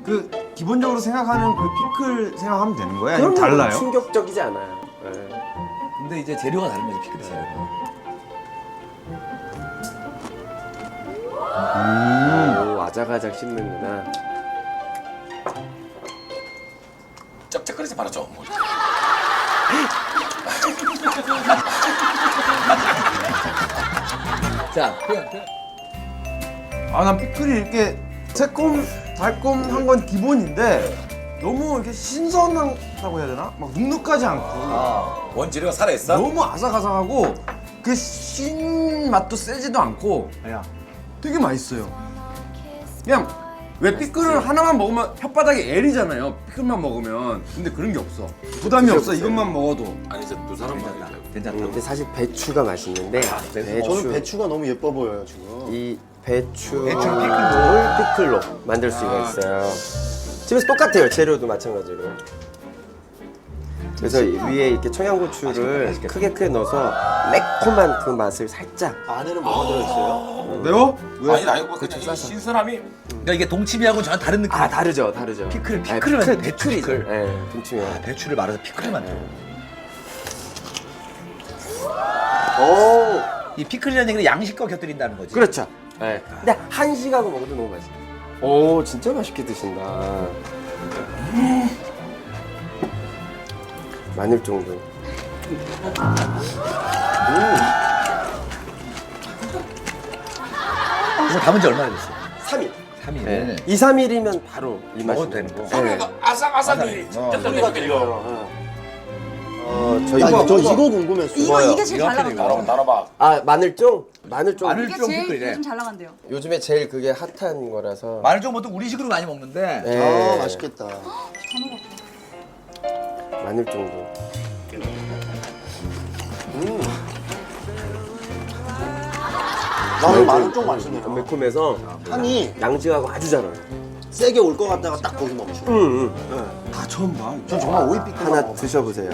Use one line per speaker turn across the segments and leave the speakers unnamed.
그 기본적으로 생각하는 그 피클 생각하면 되는 거야? 아니면
그럼
달라요?
충격적이지 않아요. 네.
근데 이제 재료가 다른 거지 피클이 재료가.
오, 아작아작 씹는구나.
쩍쩍거리지 말아줘. 뭐. 자, 그냥.
아, 난 피클이 이렇게 새콤, 달콤한 건 기본인데 너무 이렇게 신선하다고 해야 되나? 막 눅눅하지 않고
원재료가 살아있어?
너무 아삭아삭하고 그 신맛도 세지도 않고 되게 맛있어요. 그냥 왜 피클을 하나만 먹으면 혓바닥이 애리잖아요. 피클만 먹으면. 근데 그런 게 없어. 부담이 없어. 이것만 먹어도.
아니 이제 두 사람 말이야. 괜찮다.
근데 사실 배추가 맛있는데
저는 배추가 너무 예뻐 보여요 지금.
이 배추
피클로?
피클로 만들 수가 있어요. 집에서 똑같아요. 재료도 마찬가지로. 그래서 위에 이렇게 청양고추를 크게 넣어서 매콤한 그 맛을 살짝.
안에는 뭐가 들어있어요?
매워?
아니 뭐 그냥 이 신선함이. 그러니까 이게 동치미하고는 전혀 다른 느낌.
아 다르죠.
피클을
아니,
만든
피클이죠.
피클.
네, 동치미요.
배추를 말아서 피클을 만들어.
오,
이 피클이라는 얘기는 양식과 곁들인다는 거지.
그렇죠. 네. 근데 한식하고 먹어도 너무 맛있어. 오, 진짜 맛있게 드신다. 마늘 정도.
이거 담은 지 얼마나 됐어?
3일.
3일.
네. 2, 3일이면 바로 이 맛이
먹어도 되는 거.
네.
아삭아삭이
소리가 들려요.
저희
저 이거 궁금했어요.
이게 제일 잘 나간다.
나눠봐.
아, 마늘쫑? 마늘쫑.
마늘-
이게
좀
제일
피클이네.
요즘 잘 나간대요.
요즘에 제일 그게 핫한 거라서.
마늘종 보통 우리식으로 많이 먹는데.
네.
아 맛있겠다.
마늘쫑도.
나는 마늘 좀 맛있네요.
매콤해서
향이
양지하고 아주 잘 어울려.
세게 올 것 같다가 딱 거기 멈춰.
다 처음 봐.
전 정말 오이 피클
하나 드셔보세요.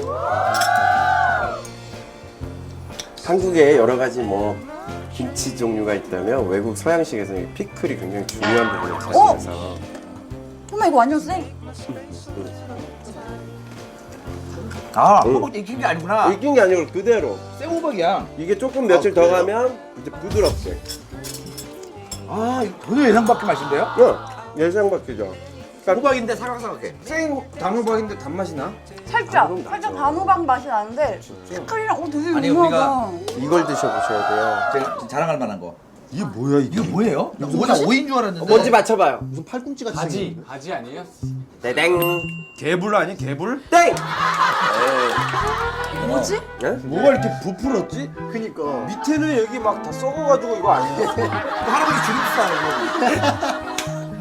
한국에 여러 가지 뭐 김치 종류가 있다면 외국 서양식에서 이 피클이 굉장히 중요한 부분을 차지해서
엄마 이거 완전 쎄.
아, 호박 익힌 게 아니구나.
익힌 게 아니고 그대로.
생호박이야.
이게 조금 며칠 더 가면 이제 부드럽게.
아, 이거 전혀 예상 밖의 맛인데요?
예상 밖이죠.
호박인데 사각사각해.
생 단호박인데 단맛이 나?
살짝 단호박 맛이 나는데 피클이랑 되게
아니,
유명하다.
이걸 드셔보셔야 돼요.
제가 자랑할 만한 거.
이게 뭐야 이게?
이거 뭐예요? 나 오인 줄 알았는데.
뭔지 맞춰봐요.
무슨 팔꿈치 같이
바지
생겼는데?
바지 아니에요?
땡.
개불 아니 개불?
땡.
뭐지?
뭐가 이렇게 부풀었지?
그니까.
밑에는 여기 막 다 썩어가지고 이거 아니야?
할아버지 주름살.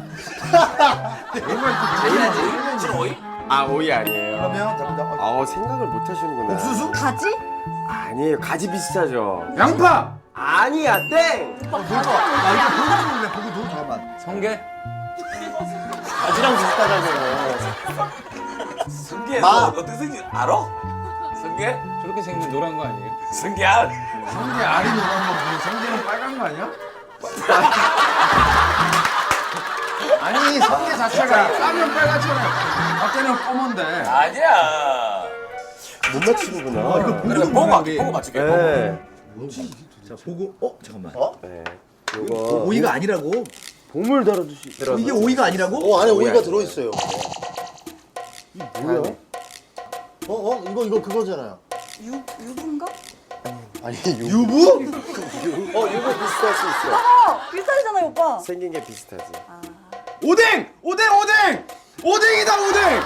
아 오이 아니에요.
그러면 잠깐만.
생각을 못 하시는구나.
옥수수?
가지?
아니에요. 가지 비슷하죠.
양파!
아니야 땡.
나 이거 보고 도 잠깐만.
성게?
바지랑 비슷하다고요.
성게
마.
어떻게 생긴 알아? 성게?
저렇게 생긴 노란 거 아니에요?
성게 알.
성게 알이 노란 거 보고 성게는 빨간 거 아니야? 아니 성게 자체가 까면 빨갛잖아. 밖에는 검은데.
아니야.
못 맞추는구나.
그래 보고 맞출게.
네.
자 보고 잠깐만.
네.
이거
요거
오이가 아니라고?
보물 다뤄주시.
이게 오이가 아니라고?
안에
오이
오이가
아니에요.
들어있어요. 이게 뭐야? 이거 그거잖아요.
유부인가?
아니
유부?
이거 비슷할 수 있어.
비슷하잖아요 오빠.
생긴 게 비슷하지.
오뎅! 오뎅! 오뎅! 오뎅이다 오뎅!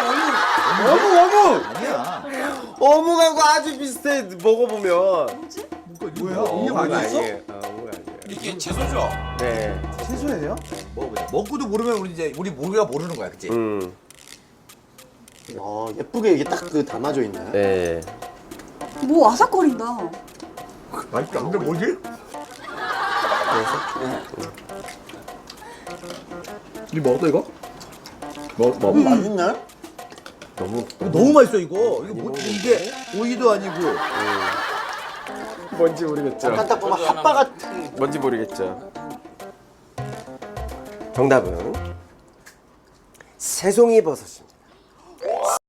어묵!
아니야.
어묵하고 아주 비슷해. 먹어보면.
뭐야?
어묵
아니었어?
아니에요. 어묵 아니에요.
이게 채소죠?
네.
채소예요?
먹어보자. 먹고도 모르면 우리 우리가 모르는 거야, 그치?
예쁘게 이게 딱 그 담아져 있나요?
네.
뭐 아삭거린다.
맛있다. 근데 뭐지? 이거 먹었어 이거? 먹어.
맛있네.
너무 맛있어 이거. 이거 뭐 이게 오이도 아니고.
뭔지 모르겠죠.
약간 딱 보면 핫바 같은.
뭔지 모르겠죠. 정답은 새송이 버섯입니다.